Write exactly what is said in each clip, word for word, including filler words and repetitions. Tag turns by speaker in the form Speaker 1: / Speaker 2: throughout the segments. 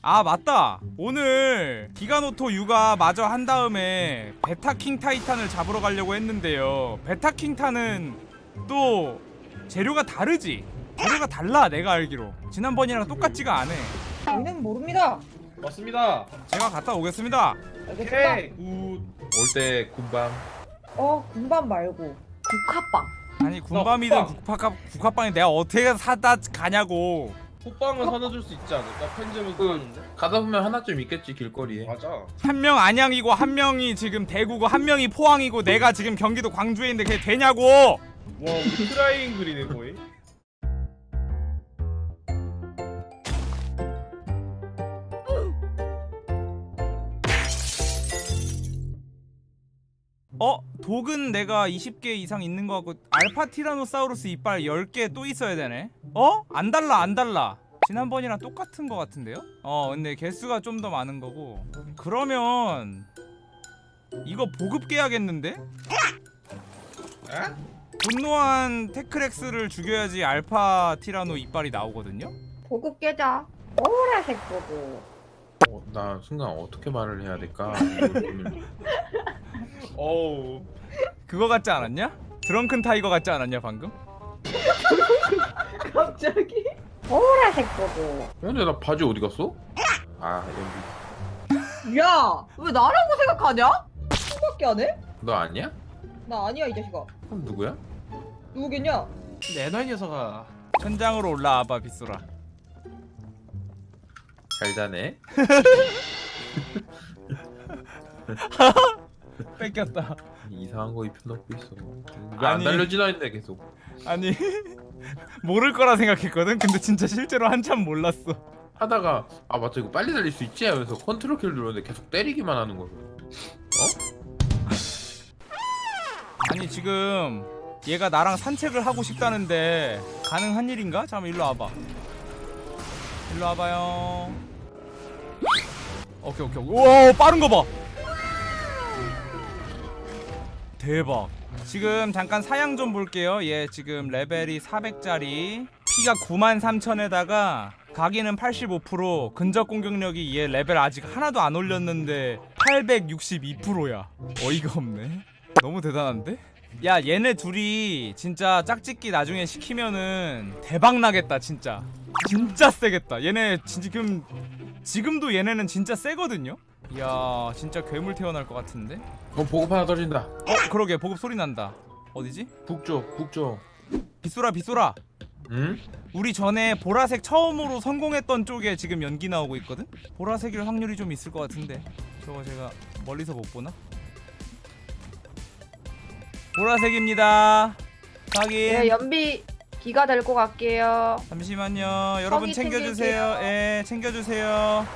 Speaker 1: 아 맞다, 오늘 기가노토 육아 마저 한 다음에 베타킹 타이탄을 잡으러 가려고 했는데요, 베타킹 타는 또 재료가 다르지? 재료가 달라. 내가 알기로 지난번이랑 똑같지가 않아.
Speaker 2: 저희는 모릅니다.
Speaker 3: 맞습니다.
Speaker 1: 제가 갔다 오겠습니다.
Speaker 2: 알겠습니다.
Speaker 3: 오케이. 올 때 군밤.
Speaker 2: 어, 군밤 말고 국화빵.
Speaker 1: 아니 군밤이든
Speaker 3: 국밥.
Speaker 1: 국화, 국화빵이 내가 어떻게 사다 가냐고.
Speaker 3: 호빵은 사다 줄 수 있지 않을까? 편집은
Speaker 4: 그
Speaker 3: 그러는데.
Speaker 4: 가다 보면 하나쯤 있겠지 길거리에.
Speaker 3: 맞아.
Speaker 1: 한 명 안양이고 한 명이 지금 대구고 한 명이 포항이고 내가 지금 경기도 광주에 있는데 그게 되냐고.
Speaker 3: 와, 우리 트라이앵글이네 거의.
Speaker 1: 어? 독은 내가 이십 개 이상 있는 거 같고 알파 티라노사우루스 이빨 열 개 또 있어야 되네. 어? 안 달라 안 달라. 지난번이랑 똑같은 거 같은데요? 어 근데 개수가 좀 더 많은 거고. 그러면 이거 보급 깨야겠는데?
Speaker 3: 에?
Speaker 1: 분노한 테크렉스를 죽여야지 알파 티라노 이빨이 나오거든요?
Speaker 2: 보급 깨자. 보라색 보급.
Speaker 4: 어, 나 순간 어떻게 말을 해야 될까?
Speaker 3: 어우.
Speaker 1: 그거 같지 않았냐? 드렁큰 타이거 같지 않았냐 방금?
Speaker 2: 갑자기? 보라색 보급.
Speaker 4: 근데 나 바지 어디 갔어? 아 연비.
Speaker 2: 야, 왜 나라고 생각하냐? 수밖에 안 해?
Speaker 4: 너 아니야?
Speaker 2: 나 아니야 이 자식아.
Speaker 4: 그럼 누구야?
Speaker 2: 누구겠냐?
Speaker 3: 내놔 이 녀석아.
Speaker 1: 천장으로 올라와봐 빗소라.
Speaker 4: 잘 자네.
Speaker 1: 뺏겼다.
Speaker 4: 이상한 거 입혀놓고 있어. 왜 안
Speaker 1: 아니.
Speaker 4: 달려지나 했는데 계속.
Speaker 1: 아니 모를 거라 생각했거든. 근데 진짜 실제로 한참 몰랐어.
Speaker 4: 하다가 아 맞다 이거 빨리 달릴 수 있지 하면서 컨트롤 키를 누르는데 계속 때리기만 하는 거야. 어?
Speaker 1: 아니 지금 얘가 나랑 산책을 하고 싶다는데 가능한 일인가? 잠깐만 일로 와봐. 일로 와봐요. 오케이 오케이. 우와 빠른 거 봐. 대박. 지금 잠깐 사양 좀 볼게요. 얘 지금 레벨이 사백짜리, 피가 구만 삼천에다가 각인은 팔십오 퍼센트, 근접 공격력이 얘 레벨 아직 하나도 안 올렸는데 팔백육십이 퍼센트야. 어이가 없네. 너무 대단한데? 야 얘네 둘이 진짜 짝짓기 나중에 시키면은 대박 나겠다. 진짜 진짜 세겠다. 얘네 지금 지금도 얘네는 진짜 세거든요. 이야 진짜 괴물 태어날 것 같은데.
Speaker 4: 어 보급 하나 떨어진다.
Speaker 1: 어 그러게 보급 소리 난다. 어디지?
Speaker 4: 북쪽 북쪽.
Speaker 1: 빗소라 빗소라.
Speaker 4: 응?
Speaker 1: 우리 전에 보라색 처음으로 성공했던 쪽에 지금 연기 나오고 있거든? 보라색일 확률이 좀 있을 것 같은데 저거 제가 멀리서 못 보나? 보라색입니다. 확인.
Speaker 2: 네, 연비 기가 데리고 갈게요.
Speaker 1: 잠시만요. 여러분
Speaker 2: 성의
Speaker 1: 챙겨주세요.
Speaker 2: 챙길게요.
Speaker 1: 예, 챙겨주세요.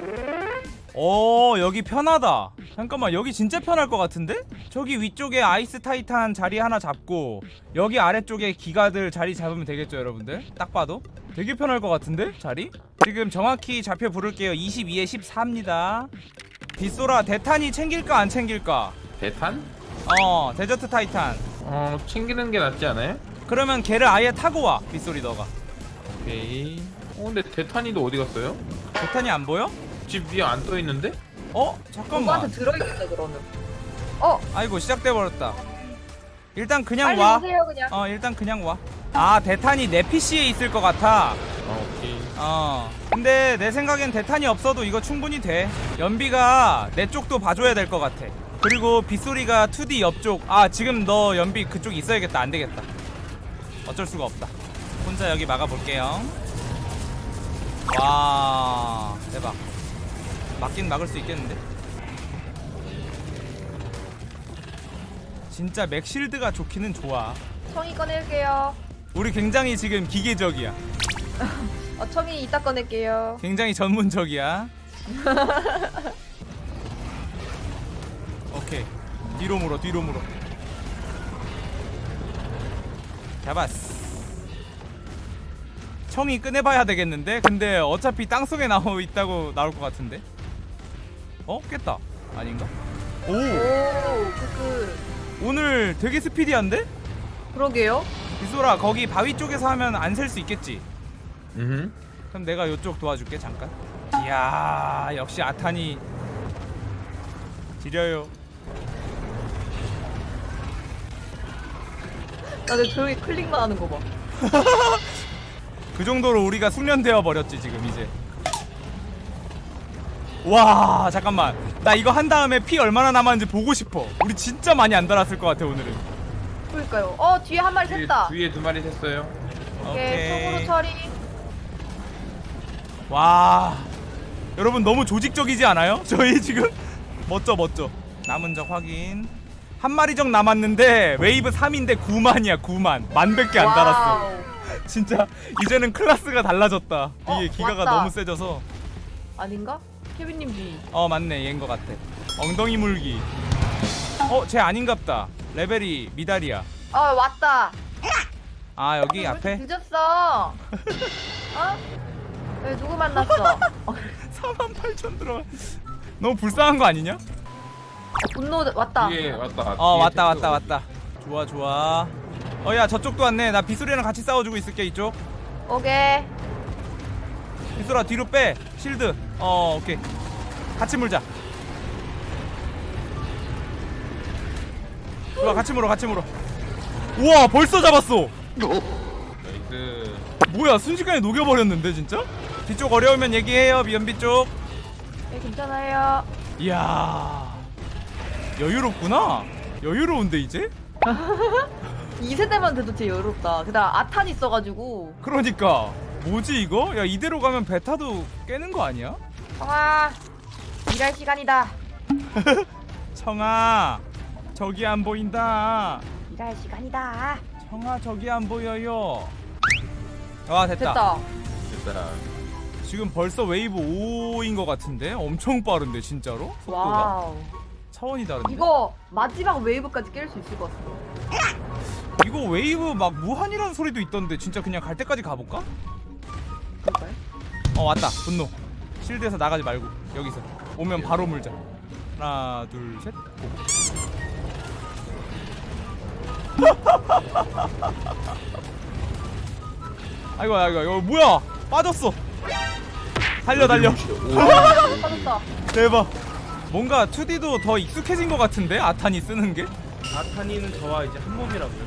Speaker 1: 오, 여기 편하다. 잠깐만, 여기 진짜 편할 것 같은데? 저기 위쪽에 아이스 타이탄 자리 하나 잡고 여기 아래쪽에 기가들 자리 잡으면 되겠죠, 여러분들? 딱 봐도 되게 편할 것 같은데? 자리? 지금 정확히 좌표 부를게요. 이십이에 십사입니다. 빗소라, 대탄이 챙길까 안 챙길까?
Speaker 4: 대탄?
Speaker 1: 어, 데저트 타이탄.
Speaker 4: 어 챙기는 게 낫지 않아요?
Speaker 1: 그러면 걔를 아예 타고 와, 빗소리 너가.
Speaker 4: 오케이. 어 근데 대탄이도 어디 갔어요?
Speaker 1: 대탄이 안 보여?
Speaker 4: 집 위에 안 떠 있는데?
Speaker 1: 어? 잠깐만.
Speaker 2: 누구한테 들어있겠다 그러면. 어,
Speaker 1: 아이고 시작돼 버렸다. 일단 그냥
Speaker 2: 빨리
Speaker 1: 와.
Speaker 2: 오세요 그냥.
Speaker 1: 어 일단 그냥 와. 아 대탄이 내 피씨에 있을 것 같아.
Speaker 4: 어 오케이.
Speaker 1: 어 근데 내 생각엔 대탄이 없어도 이거 충분히 돼. 연비가 내 쪽도 봐줘야 될 것 같아. 그리고 빗소리가 투디 옆쪽. 아 지금 너 연비 그쪽 있어야겠다. 안 되겠다. 어쩔 수가 없다. 혼자 여기 막아볼게요. 와 대박. 막긴 막을 수 있겠는데? 진짜 맥실드가 좋기는 좋아.
Speaker 2: 청이 꺼낼게요.
Speaker 1: 우리 굉장히 지금 기계적이야.
Speaker 2: 어, 청이 이따 꺼낼게요.
Speaker 1: 굉장히 전문적이야. 오케이. 뒤로 물어, 뒤로 물어. 잡았어. 청이 꺼내봐야 되겠는데? 근데 어차피 땅속에 나오 있다고 나올 것 같은데? 어? 깼다. 아닌가? 오!
Speaker 2: 오, 그,
Speaker 1: 오늘 되게 스피디한데?
Speaker 2: 그러게요.
Speaker 1: 이소라 거기 바위 쪽에서 하면 안 셀 수 있겠지?
Speaker 4: 음.
Speaker 1: 그럼 내가 이쪽 도와줄게 잠깐. 이야 역시 아탄이 지려요.
Speaker 2: 나는 조용히 클릭만 하는 거 봐.
Speaker 1: 그 정도로 우리가 숙련되어 버렸지 지금 이제. 와 잠깐만 나 이거 한 다음에 피 얼마나 남았는지 보고 싶어. 우리 진짜 많이 안 달았을 것 같아 오늘은.
Speaker 2: 그러니까요. 어 뒤에 한 마리
Speaker 4: 뒤에,
Speaker 2: 샜다.
Speaker 4: 뒤에 두 마리 샜어요.
Speaker 2: 오케이 속으로 처리.
Speaker 1: 와 여러분 너무 조직적이지 않아요? 저희 지금 멋져 멋져. 남은 적 확인. 한 마리 적 남았는데 웨이브 삼인데 구만이야 구만. 만백 개 안 달았어.
Speaker 2: 와우.
Speaker 1: 진짜 이제는 클래스가 달라졌다. 이게
Speaker 2: 어,
Speaker 1: 기가가
Speaker 2: 왔다.
Speaker 1: 너무 세져서.
Speaker 2: 아닌가? 케빈님 뒤.
Speaker 1: 어 맞네 얘인 것 같아. 엉덩이 물기. 어 쟤 아닌갑다. 레벨이 미달이야.
Speaker 2: 어 왔다.
Speaker 1: 아 여기
Speaker 2: 왜 이렇게
Speaker 1: 앞에
Speaker 2: 늦었어. 어? 왜 누구 만났어? 어,
Speaker 1: 사만 팔천 들어가. 너무 불쌍한 거 아니냐?
Speaker 2: 분노 왔다.
Speaker 4: 뒤에 왔다.
Speaker 1: 어
Speaker 4: 뒤에
Speaker 1: 왔다
Speaker 4: 샜어.
Speaker 1: 왔다 왔다. 좋아 좋아. 어 야 저쪽도 왔네. 나 비수리랑 같이 싸워주고 있을게 이쪽.
Speaker 2: 오케이.
Speaker 1: 비수라 뒤로 빼. 실드. 어 오케이. 같이 물자. 좋아 같이 물어 같이 물어. 우와 벌써 잡았어.
Speaker 4: 나이스.
Speaker 1: 뭐야 순식간에 녹여버렸는데 진짜? 뒤쪽 어려우면 얘기해요 미연비 쪽.
Speaker 2: 네 괜찮아요.
Speaker 1: 이야 여유롭구나. 여유로운데 이제?
Speaker 2: 이 세대만 돼도 되게 여롭다. 게다가 아탄 있어가지고.
Speaker 1: 그러니까 뭐지 이거? 야 이대로 가면 베타도 깨는 거 아니야?
Speaker 2: 청아 일할 시간이다.
Speaker 1: 청아 저기 안 보인다.
Speaker 2: 일할 시간이다.
Speaker 1: 청아 저기 안 보여요. 아 됐다.
Speaker 2: 됐다.
Speaker 4: 됐다.
Speaker 1: 지금 벌써 웨이브 오인 것 같은데? 엄청 빠른데 진짜로? 속도가?
Speaker 2: 와우.
Speaker 1: 차원이 다른데?
Speaker 2: 이거 마지막 웨이브까지 깰 수 있을 것 같아.
Speaker 1: 이거 웨이브 막 무한이라는 소리도 있던데 진짜 그냥 갈 때까지 가볼까?
Speaker 2: 그럴까요?
Speaker 1: 어 왔다 분노. 실드에서 나가지 말고 여기서 오면 바로 물자. 하나 둘셋 아이고 아이고 이거 뭐야 빠졌어. 달려 달려.
Speaker 2: 빠졌다.
Speaker 1: 대박. 뭔가 투디도 더 익숙해진 것 같은데 아탄이 쓰는 게.
Speaker 3: 아타니는 저와 이제 한 몸이라고요.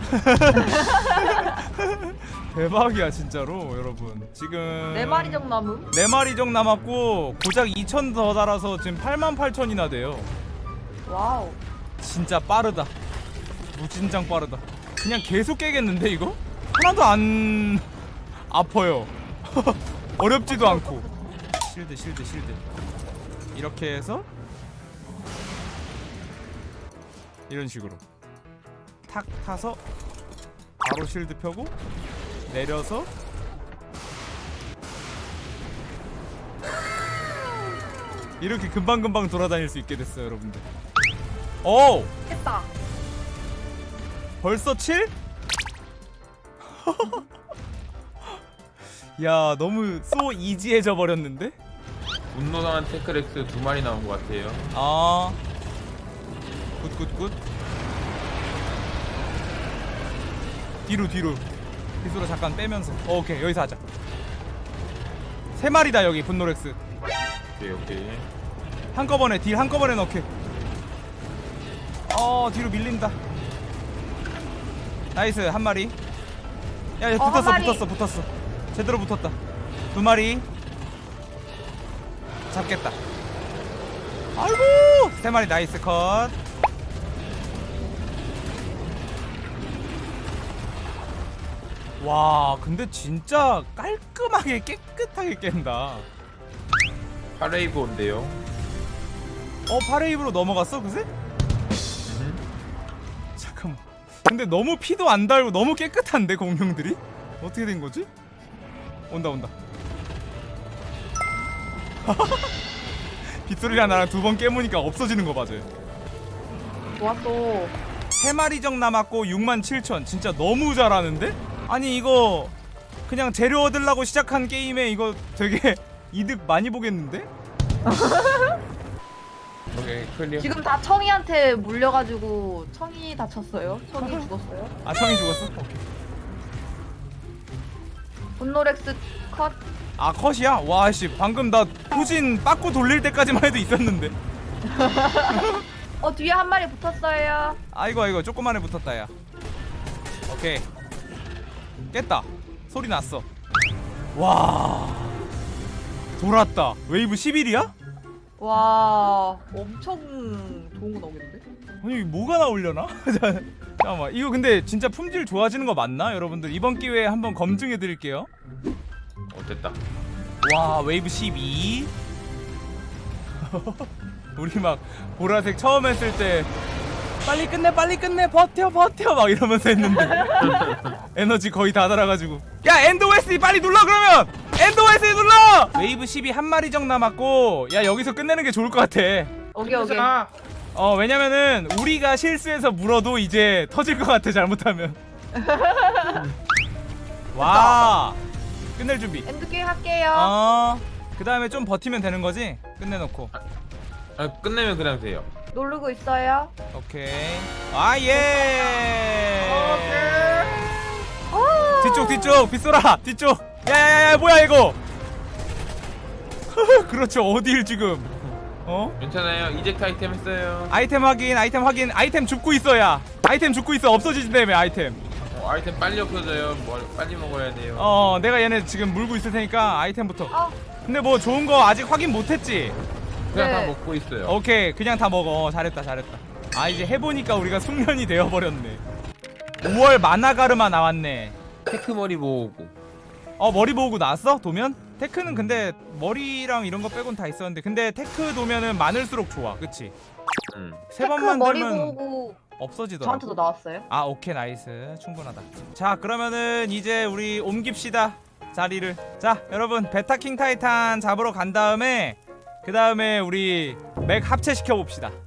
Speaker 1: 대박이야 진짜로 여러분. 지금
Speaker 2: 네 마리 정도 남음.
Speaker 1: 네 마리 정 남았고 고작 이천 더 달아서 지금 팔만 팔천이나 돼요.
Speaker 2: 와우.
Speaker 1: 진짜 빠르다. 무진장 빠르다. 그냥 계속 깨겠는데 이거? 하나도 안 아파요. 어렵지도 않고. 실드 실드 실드. 이렇게 해서 이런 식으로 탁 타서 바로 실드 펴고 내려서 이렇게 금방금방 돌아다닐 수 있게 됐어요 여러분들. 오!
Speaker 2: 했다.
Speaker 1: 벌써 칠? 야 너무 소 이지해져 버렸는데?
Speaker 4: 분노당한 테크렉스 두 마리 나온 것 같아요.
Speaker 1: 아 굿굿굿. 뒤로 뒤로 뒤로 잠깐 빼면서 어, 오케이 여기서 하자. 세 마리다 여기 분노렉스.
Speaker 4: 오케이 오케이.
Speaker 1: 한꺼번에 딜 한꺼번에 넣게. 어 뒤로 밀린다. 나이스 한 마리. 야, 야
Speaker 2: 어,
Speaker 1: 붙었어
Speaker 2: 한 마리.
Speaker 1: 붙었어 붙었어. 제대로 붙었다. 두 마리 잡겠다. 아이고 세 마리 나이스 컷. 와 근데 진짜 깔끔하게 깨끗하게 깬다.
Speaker 4: 파레이브 온대요.
Speaker 1: 어 파레입으로 넘어갔어 그새? 잠깐만. 근데 너무 피도 안 달고 너무 깨끗한데 공룡들이? 어떻게 된 거지? 온다 온다. 빗소리랑 나랑 두 번 깨무니까 없어지는 거 맞아요.
Speaker 2: 좋았어.
Speaker 1: 세 마리 정 남았고 육만 칠천. 진짜 너무 잘하는데? 아니 이거 그냥 재료 얻으려고 시작한 게임에 이거 되게 이득 많이 보겠는데?
Speaker 4: 오케이 클리어.
Speaker 2: 지금 다 청이한테 물려가지고 청이 다쳤어요. 청이 죽었어요.
Speaker 1: 아 청이 죽었어? 오케이.
Speaker 2: 분노렉스 컷.
Speaker 1: 아 컷이야? 와씨 방금 나 후진 빠꾸 돌릴 때까지만 해도 있었는데.
Speaker 2: 어 뒤에 한 마리 붙었어요.
Speaker 1: 아이고 아이고 조그만에 붙었다 야. 오케이 깼다. 소리 났어. 와 돌았다. 웨이브 십일이야?
Speaker 2: 와 엄청 좋은 거 나오겠는데?
Speaker 1: 아니 뭐가 나오려나? 잠깐만 이거 근데 진짜 품질 좋아지는 거 맞나? 여러분들 이번 기회에 한번 검증해 드릴게요.
Speaker 4: 어 됐다.
Speaker 1: 와 웨이브 십이. 우리 막 보라색 처음 했을 때 빨리 끝내 빨리 끝내 버텨 버텨 막 이러면서 했는데 에너지 거의 다 달아가지고 야 엔드 오에스디 빨리 눌러 그러면 엔드 오에스디 눌러. 웨이브 십이 한 마리 정 남았고 야 여기서 끝내는 게 좋을 것 같아.
Speaker 2: 오케이 오케이.
Speaker 3: 자,
Speaker 1: 어 왜냐면은 우리가 실수해서 물어도 이제 터질 것 같아 잘못하면. 와 끝낼 준비.
Speaker 2: 엔드게임 할게요.
Speaker 1: 어그 다음에 좀 버티면 되는 거지. 끝내놓고.
Speaker 4: 아 끝내면 그냥 돼요.
Speaker 2: 누르고 있어요.
Speaker 1: 오케이. 아 예.
Speaker 2: 오.
Speaker 1: 뒤쪽 뒤쪽 빗소라 뒤쪽. 야야야 뭐야 이거. 그렇죠 어딜 지금. 어?
Speaker 4: 괜찮아요. 이젝트 아이템 했어요.
Speaker 1: 아이템 확인 아이템 확인 아이템 줍고 있어야. 아이템 줍고 있어 없어지진다며 아이템.
Speaker 4: 어, 아이템 빨리 없어져요. 뭐 빨리 먹어야 돼요.
Speaker 1: 어 내가 얘네 지금 물고 있을 테니까 아이템부터.
Speaker 2: 어.
Speaker 1: 근데 뭐 좋은 거 아직 확인 못했지?
Speaker 4: 그냥
Speaker 2: 네.
Speaker 4: 다 먹고 있어요.
Speaker 1: 오케이 그냥 다 먹어. 잘했다 잘했다. 아 이제 해보니까 우리가 숙련이 되어버렸네. 오월 마나가르마 나왔네.
Speaker 4: 테크 머리 모으고.
Speaker 1: 어 머리 모으고 나왔어? 도면? 테크는 근데 머리랑 이런 거 빼곤 다 있었는데 근데 테크 도면은 많을수록 좋아 그치?
Speaker 4: 음.
Speaker 1: 세
Speaker 2: 테크
Speaker 1: 번만
Speaker 2: 머리
Speaker 1: 들면
Speaker 2: 보고
Speaker 1: 없어지더라고.
Speaker 2: 저한테도 나왔어요.
Speaker 1: 아 오케이 나이스 충분하다. 자 그러면은 이제 우리 옮깁시다 자리를. 자 여러분 베타킹 타이탄 잡으러 간 다음에 그 다음에 우리 맥 합체시켜 봅시다.